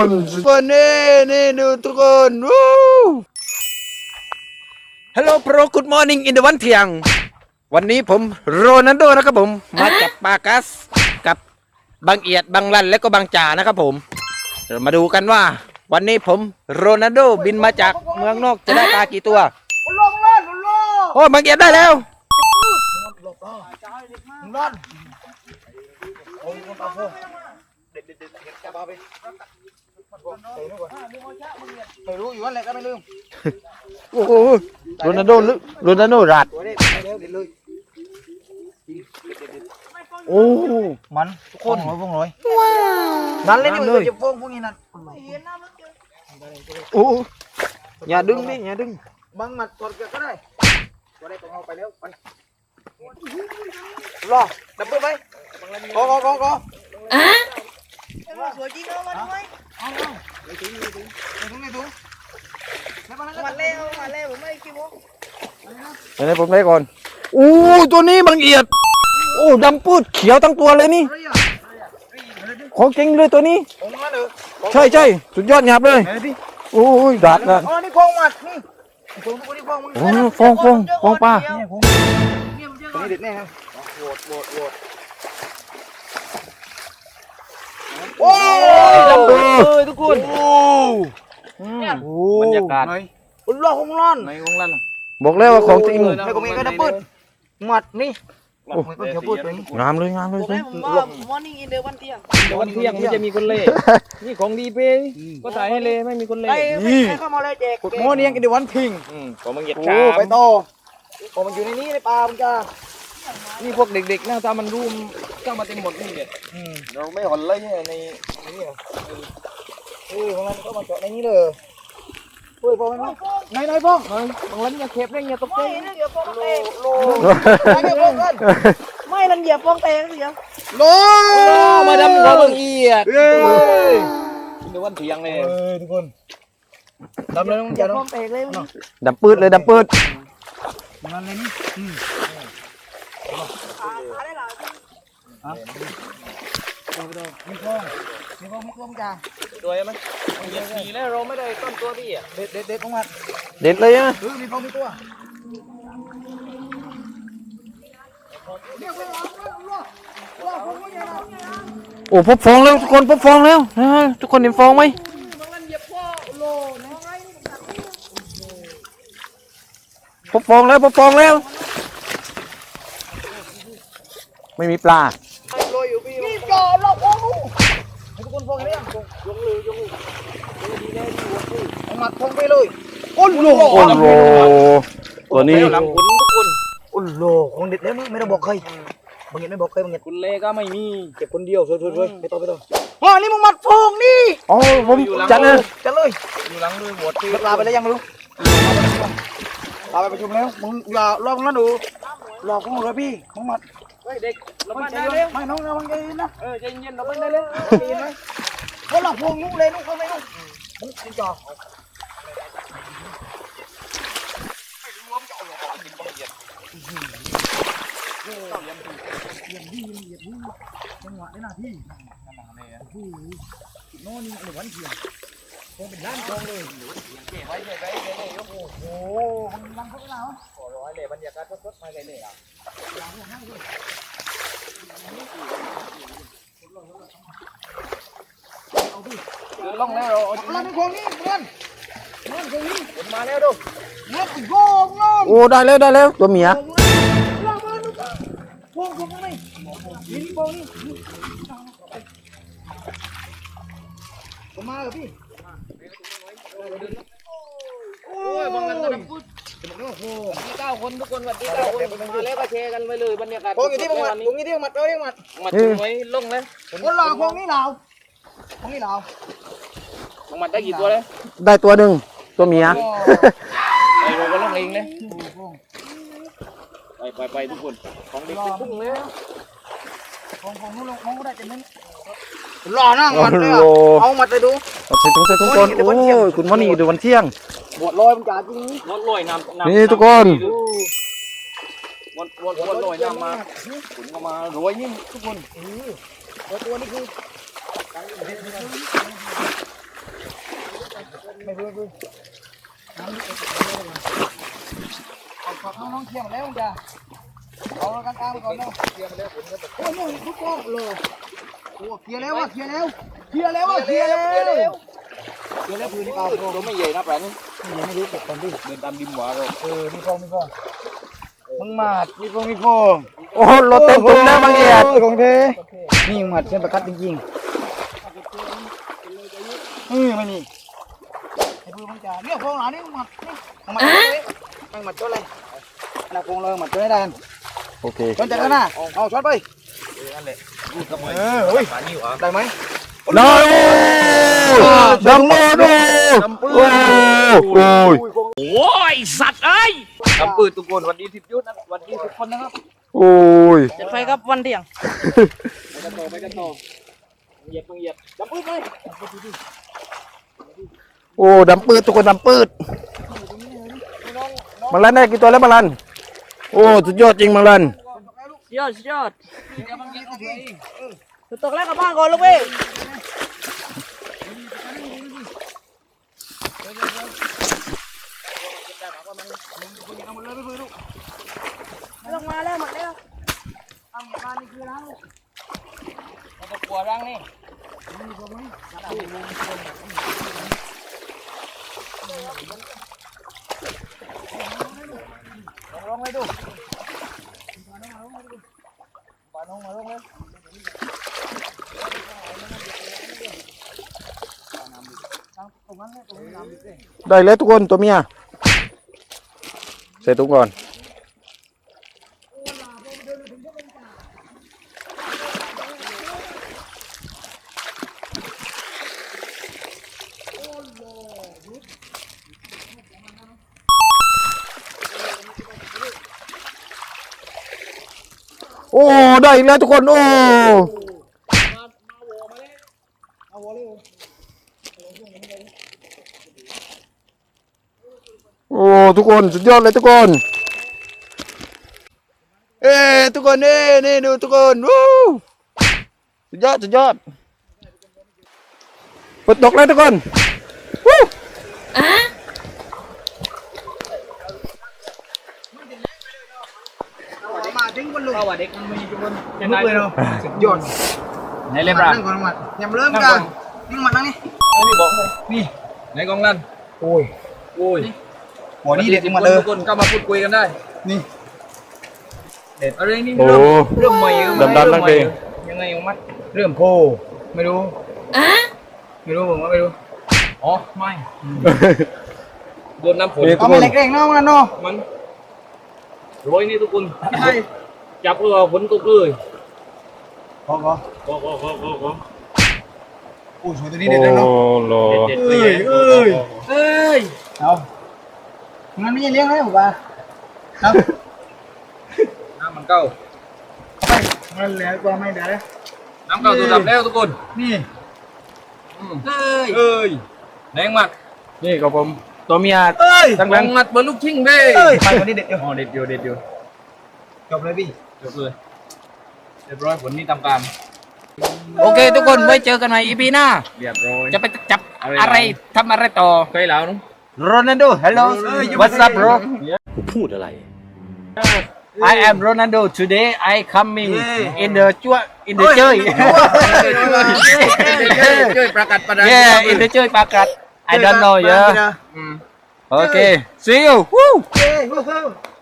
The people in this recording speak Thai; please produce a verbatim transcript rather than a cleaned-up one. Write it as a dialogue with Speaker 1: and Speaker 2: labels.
Speaker 1: คนคนนี่นี่ดูทุกคนวู้ฮัลโหลโปรกูดมอร์นิ่งอินเดวันเที่ยงวันนี้ผมโรนัลโดนะครับผมมาจากปากัสกับบางเอียดบางลันและก็บางจ่านะครับผมเรามาดูกันว่าวันนี้ผมโรนัลโดบินมาจากเมืองนอกจะได้ปลากี่ตัวโอ้บางเอียดได้แล้วไม่รู้อยู่ว่าอะไรก็ไม่ลืมโอ้โหโรนัลโดโรนัลโดรัดโอ้มันทุกคนร้อยพวงร้อยนั่นเลยนี่มันจะพวงพวกนี้นั่นโอ้อย่าดึงนี่อย่าดึงบังมัดกดก็ได้ก็ได้ต้องเอาไปแล้วไปรอดับเบิ้ลไหมกอกอกอกออ่ะสวยจริงเนาะมาด้วยเอาเอาไปถึงไปถึงไปถึงไปถึงมาเล่มาเล่ผมไม่คิดว่าเดี๋ยวผมได้ก่อนอู้ตัวนี้บางเอียดโอ้ดำปื้ดเขียวทั้งตัวเลยนี่ของจริงเลยตัวนี้ใช่ใช่สุดยอดหยาบเลยโอ้ยดัดนะอ๋อนี่ฟองมัดนี่ฟองตัวนี้ฟองโอ้ฟองฟองฟองปลาตัวนี้เด็ดแน่ครับโหดโหดโหดโอ้ยดำปื้ดทุกคนโอ้บรรยากาศอุ่นร้อนคงร้อนไหนคงร้อนบอกแล้วว่าของจริงไม่ก็มีก็ดำปื้ดหมัดนี่โอ้ก็เขียวปื้ดตัวนี้งามเลยงามเลยสิ
Speaker 2: มอร์นิ่งอินเดวันเที่ยง
Speaker 3: เดี๋ยววันเที่ยงไม่จะมีคนเล่นี่ของดีเป้ก็ถ่ายให้เล่ไม่มีคนเล่
Speaker 2: นี่เข้ามาเลยแจก
Speaker 1: กดมอร์นิ่งอินเดวันทิง
Speaker 3: ผมมึงเหยียด
Speaker 1: โอ้ไปต่อผมมันอยู่ในนี้ในป่ามันจ้า
Speaker 3: นี่พวกเด็กๆนะถ้ามันรุ่มเข้ามาเต็มหมดนี่เนี่ย
Speaker 1: เราไม่หอนเลยเนี่ยในนี้เออของมันก็มาเจาะในนี้เลยเฮ้ยพอไหมน้องไหนไหนพง
Speaker 3: บางวันอย่าเข็บเลยอย่าตกใจ
Speaker 2: ไม่นั่นเหยียบฟองเตะโลไม่นั่นเหยียบฟองเตะเสีย
Speaker 1: โล
Speaker 3: มาดำหัวบางเอียดเดี๋ยววันเที่ยงเลย
Speaker 1: ทุกคนดำเลยน้อง
Speaker 2: เหยียบฟองเตะเลย
Speaker 1: ดำปืดเลยดำปืดมันเลยนี่อืม
Speaker 2: ขาได้หรอ
Speaker 1: ฮะมีคลองมีคลองมีคลองจ้า
Speaker 3: ตัวไหมเหยียดขี่แล้วเราไม่ได้ต้นตัวพี่อ่ะ
Speaker 1: เด็ดเด็ดเด็ดของมันเด็ดเลยอ่ะมีคลองมีตัวโอ้พบฟองแล้วทุกคนพบฟองแล้วนะทุกคนเห็นฟองไหมพบฟองแล้วพบฟองแล้วไม่มีปลา
Speaker 2: นี่จ่อหลอกฟองลูก
Speaker 1: ทุกคนฟองเลยยงเลยยงเลยดีแน่ดีวัวคือหมัดฟองไปเลยโอ้โหโอ้โหตัวนี้
Speaker 3: หลังขุนทุกคน
Speaker 1: โอ้โหของเด็ดแล้วไม่ต้องบอกใครบางอย่างไม่บอกใครบางอย่าง
Speaker 3: คุณเล่ก็ไม่มี
Speaker 1: เก็บคนเดียวช่วยๆๆไปต่อไปต่ออ๋อนี่มึงมัดฟองนี่อ๋อผมจัดเลยจัดเลย
Speaker 3: อยู่หลังด้วยหัวตี
Speaker 1: ลาไปแล้วยังไม่รู้ลาไปประชุมแล้วมึงอย่าลองนะดูหลอกของเราพี่มึงมัด
Speaker 3: เฮ้ยเด็กเราไม่ได้
Speaker 1: เลยไม่น้องเราไม่ได้นะ
Speaker 3: เออใจเย็นเราไม่ได้เลย
Speaker 1: ดีไหมเขาหลอกพวงนุ๊กเลยนุ๊กเขาไม่นุ๊กมึงจริงจ่อไม่รู้ว่ามันจะเอาหลอกกินบ้างเหยียดเหยียดเหยียดดีเหยียดดีจังหวะได้หน้าที่โอ้โหน้องนี่หนึ่งวันเที่ยงคงเป็นล้านทองเลย
Speaker 3: เก็บไว้เก็บไว้เก็บไว้ยก
Speaker 1: โอ้โหมันลังเขาไปแล้ว
Speaker 3: ขอร้อยเลยบรรยากาศสดๆมาเลยเลยอ่ะล่องแล้วเรา
Speaker 1: เราเป็นคนนี้เพื่อนเพื่อนคนนี้
Speaker 3: มาแล้วดู
Speaker 1: นับโกงน้องโอ้ได้แล้วได้แล้วตัวเมียพวงพวงนี่นี่พวงนี่ผมมาเหรอพี่
Speaker 3: โอ้ยบางกันก็ดับปุ๊บโอ้โหที่เก้าคนทุกคนวันที่เก้าคนมาแล้วก็แชร์กันไปเลยบรรยากาศ
Speaker 1: พวงอยู่ที่พวงมัดพวงอยู่ที่พวงมัดเอ้ยมัด
Speaker 3: มัดไว้ล่องเลย
Speaker 1: คนหล่อพวงนี่เหล่าพวงนี่เหล่า
Speaker 3: พวงมัดได้กี่ตัวเลย
Speaker 1: ได้ตัวหนึ่งตัวเมีย
Speaker 3: ไอ้เราก็ล่องเองเลยไปไปไปทุกคนของเด็กเป็นพุ่งเลย
Speaker 1: ของของนู้นลงของก็ได้จะนั้นหล่อนั่งมัดเลยเอามัดไปดูใส่ถุงใส่ถุงก่อนโอ้ยคุณวันนี้ดูวันเที่ยงบวชลอยมันจ่าจริง
Speaker 3: บวชลอยน้ำ
Speaker 1: นี่ทุกคน
Speaker 3: บวชบวชบวชลอยน้ำมาคุณก็มารวยนี่ทุกคน
Speaker 1: ตัวนี้คือไม่เบื่อเบื่อน้ำเอาฝากน้องๆเที่ยงแล้วจ้ะเอาแล้วกันตามก่อนเนาะเที่ยงแล้วผมก็โอ้ยทุกคนเลยโอ้เคลียร์แล้วว่ะเคลียร์แล้วเคลียร์แล้วว่ะเคลียร์แล้วเคลียร์แล้วเคลียร์แล้วพื้นที่เปล่าตัวไม่ใหญ่นะแปลนี่ยังไม่รู้เก็บก่อนดิเดินตามดิมหวาเราเออมีฟองมีฟองมึงมาดมีฟองมีฟองโอ้รถเต็มตุ้มแล้วบางเอียดของเทนี่หมัดเส้นประคัดจริงๆเออไม่นี่ไอ้ปืนมันจะเนี่ยฟองหลานนี่หมัดนี่หมัดเลยมันหมัดตัวอะไรหน้าฟองเลยหมัดตัวไหนดันโอเคจนจัดแล้วนะเอาช็อตไปเออเฮ้ยได้ไหมได้ดำมือดูโอ้ย
Speaker 3: โอ้ยสัตว์เอ้ยทำปืนทุกคนวันนี้ทิพยุทธนะวันนี้ทุกคนนะครับ
Speaker 4: โอ้ย
Speaker 2: จะไปครับวันเที่ยง
Speaker 3: ไปกันต่อไปกันต่อเหยียบเหยียบจับปืนไป
Speaker 4: โอ้ดำปืดทุกคนดำปืดมังลันได้กี่ตัวแล้วมังลันโอ้สุดยอดจริงมังลัน
Speaker 2: ยอดยอด
Speaker 3: เดี๋ยวบางทีโอเค
Speaker 2: ตกแรกกับบ้านก่อนลูกพี่ลงมาแล้วหมดแล้วเอาหมดมานี่คือแล้ว
Speaker 3: เราจะกลัวร่างนี่
Speaker 1: ลงเลยดูปาน้องมาลงเลย
Speaker 4: ได้เลยทุกคนตัวเมียใส่ตุ้งก่อนโอ้ได้อีกแล้วทุกคนโอ้โอ้ทุกคนสุดยอดเลยทุกคนเอ้ทุกคนนี่นี่ดูทุกคนวู้สุดยอดสุดยอดฝนตกแล้วทุกคนวู้
Speaker 1: มาทิ้งบนลูก
Speaker 3: เข้าว่าเด็กมันมีทุกคน
Speaker 1: ยังไม่เลยเนาะสุดยอด
Speaker 3: ไหนเล่มร่าง
Speaker 1: นั่งก่อนหมัดยังเริ่มกันนี่หมัดนั่งนี่
Speaker 3: นี่บอกนี่ไหนกองลั่น
Speaker 1: โอ้ย
Speaker 3: โอ้ย
Speaker 1: หัวนี่เด็ดมาเลย
Speaker 3: ทุกคนก็มาพูดคุยกันได้
Speaker 1: นี่
Speaker 3: เด็ดอะไรนี่
Speaker 4: โอ้
Speaker 3: เริ่มเริ่มใหม่
Speaker 4: ดำดำนั่งเพลง
Speaker 3: ยังไงของมัด
Speaker 1: เริ่มโพไม่รู้ไม่รู้ผมว่าไม่รู้
Speaker 3: อ๋อไม่โดนน้ำฝน
Speaker 4: นี่ทุ
Speaker 1: เอา
Speaker 4: กค
Speaker 1: ไม่
Speaker 4: น
Speaker 1: เล็กเร่งเนาะมันเนาะ
Speaker 3: มันโรยนี่ทุกคน
Speaker 1: ใช่
Speaker 3: จับเรือฝนตกเลย
Speaker 1: พอพอ
Speaker 3: ก็ก็ก็ก็ก็
Speaker 1: โอ้ยสวยตัวนี้เด็ดเลยเนาะ
Speaker 4: โอ้โห
Speaker 3: เด็ด
Speaker 1: เอ้ยเอ้ย
Speaker 3: เอ้ย
Speaker 1: เอามันไม่ใช่เลี้ยงเลยผมว่าเอา
Speaker 3: น้ำมันเก้า
Speaker 1: ไปมันเหลือกว่าไม่เดี๋ยวนะ
Speaker 3: น้ำเก้าตัวดับแล้วทุกคน
Speaker 1: นี่
Speaker 3: เอ้ยเอ้ยแรงมาก
Speaker 4: นี่กับผมตัวเมีย
Speaker 1: เอ้ย
Speaker 4: ตั้ง
Speaker 3: แร
Speaker 4: นั้น
Speaker 3: งมัดเบอร์ลูกชิงเบ้
Speaker 1: เอ้ยไปคนนี้เด็ดอยู่
Speaker 3: อ๋อเด็ดอยู่เด็ดอยู่
Speaker 1: จบเลยพี่
Speaker 3: จบเลยเรียบร้อยผลนี้ทำการโอเคทุกคนไว้เจอกันใหม่อีพีหน้าเรียบร้อยจะไปจับอะไรทำอะไรต่อเคยแล้วนุ๊ก
Speaker 1: โรนัลโด hello what's up bro
Speaker 4: พูดอะไร
Speaker 3: I am Ronaldo today I coming in the จ้ว in the เจ้ยเจ้ยประกาศประดา yeah in the เจ้ยประกาศ I don't know yeah โอเค see you
Speaker 1: เฮ้ย